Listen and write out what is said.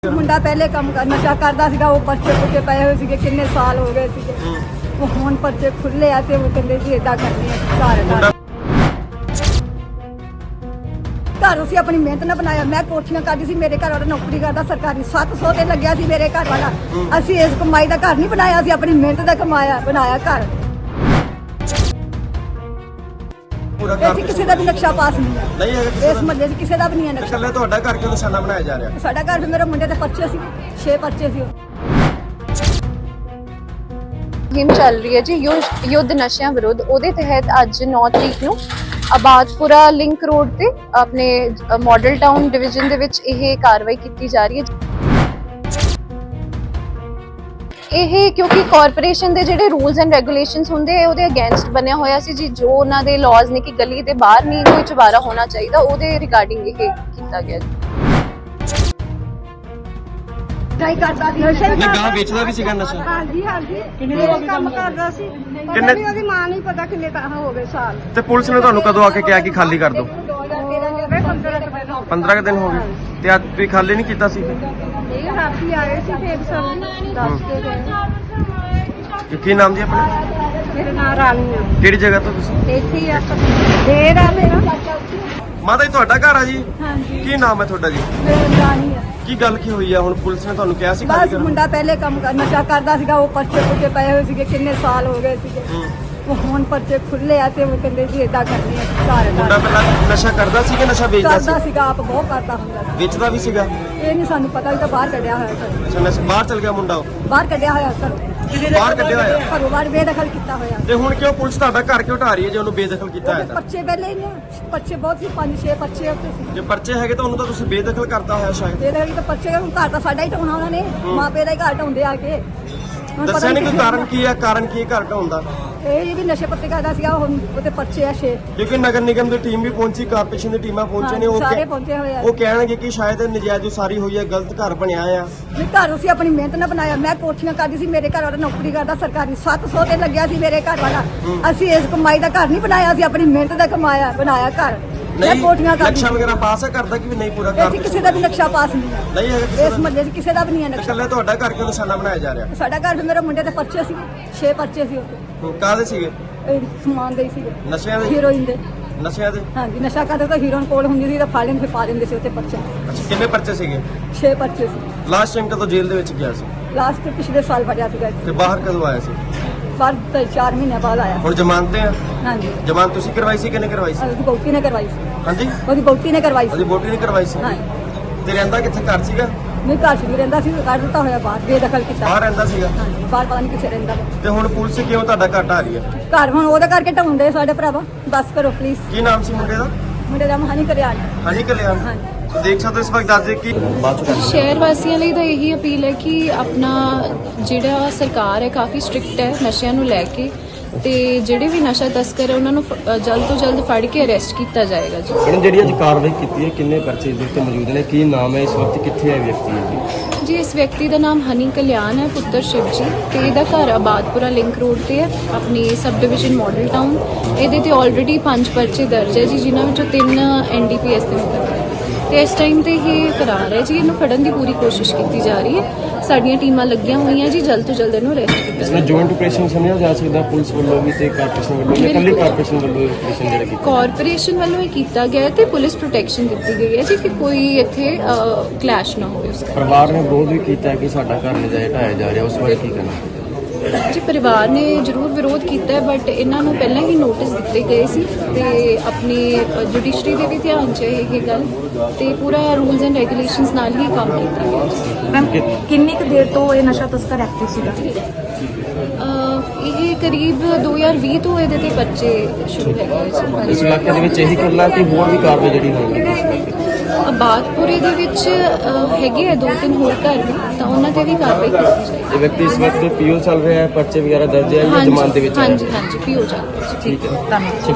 ਮੁੰਡਾ ਪਹਿਲੇ ਕੰਮ ਨਸ਼ਾ ਕਰਦਾ ਸੀਗਾ, ਉਹ ਪਰਚੇ ਪੁੱਛੇ ਪਏ ਹੋਏ ਸੀਗੇ, ਕਿੰਨੇ ਸਾਲ ਹੋ ਗਏ ਸੀਗੇ। ਉਹ ਹੁਣ ਪਰਚੇ ਖੁੱਲੇ ਆ ਤੇ ਉਹ ਕਹਿੰਦੇ ਜੀ ਏਦਾਂ ਕਰਨੀ ਹੈ। ਘਰ ਅਸੀਂ ਆਪਣੀ ਮਿਹਨਤ ਨਾਲ ਬਣਾਇਆ। ਮੈਂ ਕੋਠੀਆਂ ਕਰਦੀ ਸੀ, ਮੇਰੇ ਘਰ ਵਾਲਾ ਨੌਕਰੀ ਕਰਦਾ ਸਰਕਾਰੀ, 700 ਤੇ ਲੱਗਿਆ ਸੀ ਮੇਰੇ ਘਰ ਵਾਲਾ। ਅਸੀਂ ਇਸ ਕਮਾਈ ਦਾ ਘਰ ਨਹੀਂ ਬਣਾਇਆ, ਅਸੀਂ ਆਪਣੀ ਮਿਹਨਤ ਦਾ ਬਣਾਇਆ ਘਰ। ਇਹ 'ਚ ਕਿਸੇ ਦਾ ਵੀ ਨਕਸ਼ਾ ਪਾਸ ਨਹੀਂ ਹੈ, ਇਸ ਮਹੱਲੇ 'ਚ ਕਿਸੇ ਦਾ ਵੀ ਨਹੀਂ ਹੈ ਨਕਸ਼ਾ। ਇਕੱਲੇ ਤੁਹਾਡਾ ਘਰ ਕਿਉਂ ਨਿਸ਼ਾਨਾ ਬਣਾਇਆ ਜਾ ਰਿਹਾ? ਸਾਡਾ ਘਰ ਵੀ ਮੇਰੇ ਮੁੰਡੇ ਦੇ ਪਰਚੇ ਸੀ, 6 ਪਰਚੇ ਸੀ। ਮੁਹਿੰਮ ਚੱਲ ਰਹੀ ਹੈ ਜੀ ਯੁੱਧ ਨਸ਼ਿਆਂ ਵਿਰੁੱਧ। ਉਹਦੇ ਤਹਿਤ ਅੱਜ 9 ਤਰੀਕ ਨੂੰ ਆਬਾਦਪੁਰਾ ਲਿੰਕ ਰੋਡ ਤੇ ਆਪਣੇ ਮਾਡਲ ਟਾਊਨ ਡਿਵੀਜ਼ਨ ਦੇ ਵਿੱਚ ਇਹ ਕਾਰਵਾਈ ਕੀਤੀ ਜਾ ਰਹੀ ਹੈ। ਇਹ ਕਿਉਂਕਿ ਕਾਰਪੋਰੇਸ਼ਨ ਦੇ ਜਿਹੜੇ ਰੂਲਸ ਐਂਡ ਰੈਗੂਲੇਸ਼ਨਸ ਹੁੰਦੇ ਆ ਉਹਦੇ ਅਗੇਂਸਟ ਬਣਿਆ ਹੋਇਆ ਸੀ ਜੀ। ਜੋ ਉਹਨਾਂ ਦੇ ਲਾਜ਼ ਨੇ ਕਿ ਗਲੀ ਦੇ ਬਾਹਰ ਨਹੀਂ ਕੋਈ ਚੁਬਾਰਾ ਹੋਣਾ ਚਾਹੀਦਾ, ਉਹਦੇ ਰਿਗਾਰਡਿੰਗ ਇਹ ਕੀਤਾ ਗਿਆ ਜੀ। ਟਰਾਈ ਕਰਦਾ ਸੀ ਨਹੀਂ, ਗਾਂ ਵੇਚਦਾ ਵੀ ਸੀਗਾ ਨਸ਼ਾ? ਹਾਂਜੀ ਕਿੰਨੇ ਕੰਮ ਕਰਦਾ ਸੀ। ਕਿੰਨੇ ਉਹਦੀ ਮਾਂ ਨਹੀਂ ਪਤਾ ਕਿੰਨੇ ਤਾਂ ਹੋ ਗਏ ਸਾਲ। ਤੇ ਪੁਲਿਸ ਨੇ ਤੁਹਾਨੂੰ ਕਦੋਂ ਆ ਕੇ ਕਿਹਾ ਕਿ ਖਾਲੀ ਕਰ ਦਿਓ? 15 ਦਿਨ ਹੋ ਗਏ ਤੇ ਅੱਜ ਤੁਸੀਂ ਖਾਲੀ ਨਹੀਂ ਕੀਤਾ ਸੀ? ਇਹ ਰਾਤੀ ਆਏ ਸੀ ਫੇਰ ਸਭ ਦੱਸ ਕੇ ਗਏ। ਕੀ ਨਾਮ ਜੀ ਆਪਣਾ? ਮੇਰਾ ਨਾਮ ਰਾਣੀ ਆ। ਕਿਹੜੀ ਜਗ੍ਹਾ ਤੋਂ ਤੁਸੀਂ? ਇੱਥੇ ਹੀ ਆ ਦੇਰ ਆ ਮੇਰਾ। ਮਾਤਾ ਜੀ ਤੁਹਾਡਾ ਘਰ ਆ ਜੀ? ਹਾਂਜੀ ਕੀ ਨਾਮ ਹੈ ਤੁਹਾਡਾ ਜੀ? ਮੇਰਾ ਰਾਣੀ ਆ। ਕੀ ਗੱਲ ਕੀ ਹੋਈ ਆ? ਹੁਣ ਪੁਲਿਸ ਨੇ ਤੁਹਾਨੂੰ ਕਿਹਾ ਸੀ ਖਾਲੀ ਬਸ ਕਰਨ? ਮੁੰਡਾ ਪਹਿਲੇ ਕੰਮ ਨਸ਼ਾ ਕਰਦਾ ਸੀਗਾ, ਉਹ ਪਰਚੇ ਪੁੱਛੇ ਪਏ ਹੋਏ ਸੀਗੇ, ਕਿੰਨੇ ਸਾਲ ਹੋ ਗਏ ਸੀਗੇ। ਉਹ ਹੁਣ ਪਰਚੇ ਖੁੱਲੇ ਆ ਤੇ ਉਹ ਕਹਿੰਦੇ ਜੀ ਏਦਾਂ ਕਰਨੀ ਹੈ ਮੁੰਡਾ ਘਰ। ਪਹਿਲਾਂ ਨਸ਼ਾ ਕਰਦਾ ਸੀ ਕਿ ਨਸ਼ਾ ਵੇਚਦਾ ਕਰਦਾ ਸੀ? ਸੀਗਾ, ਆਪ ਬਹੁਤ ਕਰਦਾ ਹੁੰਦਾ ਸੀ। ਵੇਚਦਾ ਵੀ ਸੀਗਾ? ਇਹ ਨਹੀਂ ਸਾਨੂੰ ਪਤਾ, ਵੀ ਤਾਂ ਬਾਹਰ ਕੱਢਿਆ ਹੋਇਆ ਘਰੋਂ। ਅੱਛਾ, ਨਸ਼ਾ ਬਾਹਰ ਚਲ ਗਿਆ ਮੁੰਡਾ? ਉਹ ਬਾਹਰ ਕੱਢਿਆ ਹੋਇਆ ਘਰੋਂ, ਬਾਹਰ ਕੱਢਿਆ ਹੋਇਆ? ਘਰੋਂ ਬਾਹਰ ਬੇਦਖਲ ਕੀਤਾ ਹੋਇਆ। ਤੇ ਹੁਣ ਕਿਉਂ ਪੁਲਿਸ ਤੁਹਾਡਾ ਘਰ ਕਿਉਂ ਢਾ ਰਹੀ ਹੈ ਜੇ ਉਹਨੂੰ ਬੇਦਖਲ ਕੀਤਾ ਹੈ ਤਾਂ? ਪਰਚੇ ਵੇਲੇ ਨੇ, ਪਰਚੇ ਬਹੁਤ ਸੀ, 5-6 ਪਰਚੇ ਉੱਤੇ ਸੀ। ਜੇ ਪਰਚੇ ਹੈਗੇ ਤਾਂ ਉਹਨੂੰ ਤਾਂ ਤੁਸੀਂ ਬੇਦਖਲ ਕਰਤਾ ਹੋਇਆ ਸ਼ਾਇਦ। ਬੇਦਖਲ ਤਾਂ ਪਰਚੇ, ਹੁਣ ਘਰ ਤਾਂ ਸਾਡਾ ਹੀ ਢਾਉਣਾ ਉਹਨਾਂ ਨੇ, ਮਾਪੇ ਦਾ ਹੀ ਘਰ ਢਾਉਂਦੇ ਆ ਕੇ। ਹੁਣ ਪਤਾ ਦੱਸਿਆ ਨਹੀਂ ਕੋਈ ਕਿੱਥੇ ਕਾਰਨ ਕੀ ਹੈ? ਕਾਰਨ ਕੀ ਹੈ ਘਰ ਢਾਉਣ? ਇਹ ਵੀ ਨਸ਼ੇ ਪੱਤੇ ਕਰਦਾ ਸੀਗਾ, ਹੁਣ ਉਹਦੇ ਪਰਚੇ ਆ 6। ਕਿਉਂਕਿ ਨਗਰ ਨਿਗਮ ਦੀ ਟੀਮ ਵੀ ਪਹੁੰਚੀ, ਕਾਰਪੋਰੇਸ਼ਨ ਦੀ ਟੀਮਾਂ ਪਹੁੰਚੇ ਨੇ। ਸਾਰੇ ਪਹੁੰਚੇ ਹੋਏ ਆ। ਉਹ ਕਹਿਣਗੇ ਕਿ ਸ਼ਾਇਦ ਨਜਾਇਜ਼ ਉਸਾਰੀ ਹੋਈ ਹੈ, ਗਲਤ ਘਰ ਬਣਿਆ ਆ। ਵੀ ਘਰ ਅਸੀਂ ਆਪਣੀ ਮਿਹਨਤ ਨਾਲ ਬਣਾਇਆ। ਮੈਂ ਕੋਠੀਆਂ ਕਰਦੀ ਸੀ, ਮੇਰੇ ਘਰ ਵਾਲਾ ਨੌਕਰੀ ਕਰਦਾ ਸਰਕਾਰੀ, 700 ਤੇ ਲੱਗਿਆ ਸੀ ਮੇਰੇ ਘਰ ਵਾਲਾ। ਅਸੀਂ ਇਸ ਕਮਾਈ ਦਾ ਘਰ ਨਹੀਂ ਬਣਾਇਆ, ਅਸੀਂ ਆਪਣੀ ਮਿਹਨਤ ਦਾ ਬਣਾਇਆ ਘਰ। ਮੈਂ ਕੋਠੀਆਂ ਕਰਦੀ ਨਕਸ਼ਾ ਵਗੈਰਾ ਪਾਸ ਹੈ ਕਰਦਾ ਕਿ ਨਹੀਂ ਪੂਰਾ ਇਹ 'ਚ ਕਰ? ਕਿਸੇ ਦਾ ਵੀ ਨਕਸ਼ਾ ਪਾਸ ਨਹੀਂ ਹੈ, ਨਹੀਂ ਹੈਗਾ ਇਸ ਮਹੱਲੇ 'ਚ ਕਿਸੇ ਦਾ ਵੀ ਨਹੀਂ ਹੈ ਨਕਸ਼ਾ। ਇਕੱਲੇ ਤੁਹਾਡਾ ਘਰ ਕਿਉਂ ਨਿਸ਼ਾਨਾ ਬਣਾਇਆ ਜਾ ਰਿਹਾ? ਸਾਡਾ ਘਰ ਵੀ ਮੇਰੇ ਮੁੰਡੇ ਦੇ ਪਰਚੇ ਸੀ, 6 ਪਰਚੇ ਸੀ ਉੱਤੇ। ਕਾਹਦੇ ਸੀਗੇ? ਇਹ ਸਮਾਨ ਦੇ ਹੀ ਸੀਗੇ, ਨਸ਼ਿਆਂ ਦੇ? ਹੀਰੋਇਨ ਦੇ। ਨਸ਼ਿਆਂ ਦੇ? ਹਾਂਜੀ, ਨਸ਼ਾ ਕਰਦੇ ਤਾਂ ਹੀਰੋਇਨ ਕੋਲ ਹੁੰਦੀ ਸੀ ਤਾਂ ਫੜ ਲੈਂਦੇ, ਫਿਰ ਪਾ ਦਿੰਦੇ ਸੀ ਉੱਤੇ ਪਰਚਾ। ਅੱਛਾ, ਕਿੰਨੇ ਪਰਚੇ ਸੀਗੇ? 6 ਪਰਚੇ ਸੀ। ਲਾਸਟ ਟਾਈਮ ਕਦੋਂ ਜੇਲ੍ਹ ਦੇ ਵਿੱਚ ਗਿਆ ਸੀ? ਲਾਸਟ ਪਿਛਲੇ ਸਾਲ ਫੜਿਆ ਸੀਗਾ ਇੱਥੇ। ਤੇ ਬਾਹਰ ਕਦੋਂ ਆਇਆ ਸੀ? ਬਾਹਰ ਤਾਂ 4 ਮਹੀਨੇ ਬਾਅਦ ਆਇਆ। ਹੁਣ ਜ਼ਮਾਨਤ ਤੇ ਆ? ਹਾਂਜੀ, ਜ਼ਮਾਨਤ ਤੁਸੀਂ ਕਰਵਾਈ ਸੀ ਕਿਹਨੇ ਕਰਵਾਈ ਸੀ? ਉਹਦੀ ਬੌਟੀ ਨੇ ਕਰਵਾਈ ਸੀ। ਹਾਂਜੀ, ਉਹਦੀ ਬੌਟੀ ਨੇ ਕਰਵਾਈ ਉਹਦੀ ਸੀ। ਵੋਟੀ ਨੇ ਕਰਵਾਈ ਸੀ? ਹਾਂ, ਤੇ ਰਹਿੰਦਾ ਕਿੱਥੇ? ਘਰ ਸੀਗਾ? ਨਹੀਂ ਘਰ 'ਚ ਵੀ ਰਹਿੰਦਾ ਸੀ, ਕੱਢ ਦਿੱਤਾ ਹੋਇਆ ਬਾਹਰ, ਬੇਦਖਲ ਕੀਤਾ। ਬਾਹਰ ਰਹਿੰਦਾ ਸੀਗਾ? ਹਾਂਜੀ, ਬਾਹਰ ਪਤਾ ਨਹੀਂ ਕਿੱਥੇ ਰਹਿੰਦਾ ਵਾ। ਤੇ ਹੁਣ ਪੁਲਿਸ ਕਿਉਂ ਤੁਹਾਡਾ ਘਰ ਢਾ ਰਹੀ ਹੈ? ਘਰ ਹੁਣ ਉਹਦਾ ਕਰਕੇ ਢਾਉਂਦੇ ਸਾਡੇ ਭਰਾਵਾ, ਬਸ ਕਰੋ ਪਲੀਜ਼। ਕੀ ਨਾਮ ਸੀ ਮੁੰਡੇ ਦਾ? ਮੁੰਡੇ ਦਾ ਮਹਾਨੀ ਕਰਿਆ। ਹਾਂਜੀ ਕਲਿਆਣ। ਹਾਂਜੀ, ਦੇਖ ਸਕਦੇ ਹੋ ਇਸ ਵਕਤ ਦੱਸ ਦੇ ਕਿ ਬਾਅਦ ਚ ਸ਼ਹਿਰ ਵਾਸੀਆਂ ਲਈ ਤਾਂ ਇਹੀ ਅਪੀਲ ਹੈ ਕਿ ਆਪਣਾ ਜਿਹੜਾ ਸਰਕਾਰ ਹੈ ਕਾਫੀ ਸਟ੍ਰਿਕਟ ਹੈ ਨਸ਼ਿਆਂ ਨੂੰ ਲੈ ਕੇ, ਤੇ ਜਿਹੜੇ ਵੀ ਨਸ਼ਾ ਤਸਕਰ ਹੈ ਉਹਨਾਂ ਨੂੰ ਜਲਦ ਤੋਂ ਜਲਦ ਫੜ ਕੇ ਅਰੈਸਟ ਕੀਤਾ ਜਾਏਗਾ ਜੀ। ਇਹਨਾਂ ਜਿਹੜੀ ਅੱਜ ਕਾਰਵਾਈ ਕੀਤੀ ਹੈ, ਕਿੰਨੇ ਪਰਚੇ ਦੇ ਉੱਤੇ ਮੌਜੂਦ ਨੇ? ਕੀ ਨਾਮ ਹੈ? ਇਸ ਵਕਤ ਕਿੱਥੇ ਹੈ ਵਿਅਕਤੀ ਹੈ ਜੀ ਇਸ ਵਿਅਕਤੀ ਦਾ ਨਾਮ ਹਨੀ ਕਲਿਆਣ ਹੈ, ਪੁੱਤਰ ਸ਼ਿਵ ਜੀ, ਤੇ ਇਹਦਾ ਘਰ ਆਬਾਦਪੁਰਾ ਲਿੰਕ ਰੋਡ ਤੇ ਹੈ, ਆਪਣੀ ਸਬ ਡਿਵੀਜ਼ਨ ਮਾਡਲ ਟਾਊਨ। ਇਹਦੇ ਤੇ ਆਲਰੇਡੀ 5 ਪਰਚੇ ਦਰਜ ਹੈ ਜੀ, ਜਿਨ੍ਹਾਂ ਵਿੱਚੋਂ 3 NDPS ਦੇ ਮੁਕੱਦਮੇ ਤੇ ਇਸ ਟਾਈਮ ਤੇ ਇਹ ਫਰਾਰ ਹੈ ਜੀ। ਇਹਨੂੰ ਫੜਨ ਦੀ ਪੂਰੀ ਕੋਸ਼ਿਸ਼ ਕੀਤੀ ਜਾ ਰਹੀ ਹੈ, ਸਾਡੀਆਂ ਟੀਮਾਂ ਲੱਗੀਆਂ ਹੋਈਆਂ ਜੀ, ਜਲਦ ਤੋਂ ਜਲਦ ਇਹਨੂੰ ਅਰੈਸਟ ਕੀਤਾ ਇਸ ਜਾਵੇ। ਵਿੱਚ ਜੁਆਇੰਟ ਆਪਰੇਸ਼ਨ ਸਮਝਿਆ ਜਾ ਸਕਦਾ ਪੁਲਿਸ ਵੱਲੋਂ ਵੀ ਤੇ ਕਾਰਪੋਰੇਸ਼ਨ ਵੱਲੋਂ, ਜਾਂ ਇਕੱਲੀ ਕਾਰਪੋਰੇਸ਼ਨ ਵੱਲੋਂ ਆਪਰੇਸ਼ਨ ਜਿਹੜਾ ਕੀਤਾ? ਕਾਰਪੋਰੇਸ਼ਨ ਵੱਲੋਂ ਹੀ ਕੀਤਾ ਗਿਆ ਹੈ ਤੇ ਪੁਲਿਸ ਪ੍ਰੋਟੈਕਸ਼ਨ ਦਿੱਤੀ ਗਈ ਹੈ ਜੀ ਕਿ ਕੋਈ ਇੱਥੇ ਕਲੈਸ਼ ਨਾ ਹੋਵੇ ਉਸ ਪਰਿਵਾਰ ਨੇ ਵਿਰੋਧ ਵੀ ਕੀਤਾ ਕਿ ਸਾਡਾ ਘਰ ਨਜਾਇਜ਼ ਢਾਇਆ ਜਾ ਰਿਹਾ, ਉਸ ਬਾਰੇ ਕੀ ਕਹਿਣਾ? ਜੀ ਪਰਿਵਾਰ ਨੇ ਜ਼ਰੂਰ ਵਿਰੋਧ ਕੀਤਾ ਹੈ, ਬਟ ਇਹਨਾਂ ਨੂੰ ਪਹਿਲਾਂ ਹੀ ਨੋਟਿਸ ਦਿੱਤੇ ਗਏ ਸੀ ਤੇ ਆਪਣੀ ਜੁਡੀਸ਼ਰੀ ਦੇ ਵੀ ਧਿਆਨ 'ਚ ਹੈ ਇਹ ਗੱਲ, ਤੇ ਪੂਰਾ ਰੂਲਸ ਐਂਡ ਰੈਗੂਲੇਸ਼ਨਸ ਨਾਲ ਹੀ ਕੰਮ ਕੀਤਾ ਗਿਆ। ਮੈਮ ਕਿੰਨੀ ਕੁ ਦੇਰ ਤੋਂ ਇਹ ਨਸ਼ਾ ਤਸਕਰ ਐਕਟਿਵ ਸੀਗਾ? ਇਹ ਕਰੀਬ 2020 ਤੋਂ ਇਹਦੇ ਤੇ ਬੱਚੇ ਸ਼ੁਰੂ ਹੈਗੇ ਇਸ ਸੀ। ਇਲਾਕੇ ਦੇ ਵਿੱਚ ਇਹੀ ਕਰਨਾ ਕਿ ਹੋਰ ਵੀ ਕਾਰਵਾਈ ਜਿਹੜੀ ਹੋਣੀ? ਆਬਾਦਪੁਰੇ ਦੇ ਵਿੱਚ ਹੈਗੇ ਆ 2-3 ਹੋਰ ਘਰ ਵੀ, ਤਾਂ ਉਹਨਾਂ ਤੇ ਵੀ ਕਾਰਵਾਈ ਕੀਤੀ ਜਾਏਗੀ। ਇਹ ਵਿਅਕਤੀ ਇਸ ਵਕਤ ਪੀਓ ਚੱਲ ਰਿਹਾ ਹੈ, ਪਰਚੇ ਵਗੈਰਾ ਦਰਜ ਹੈ ਜਾਂ ਜ਼ਮਾਨਤ ਦੇ ਵਿੱਚ ਹੈ? ਹਾਂਜੀ ਪੀਓ ਜਾ ਠੀਕ ਹੈ।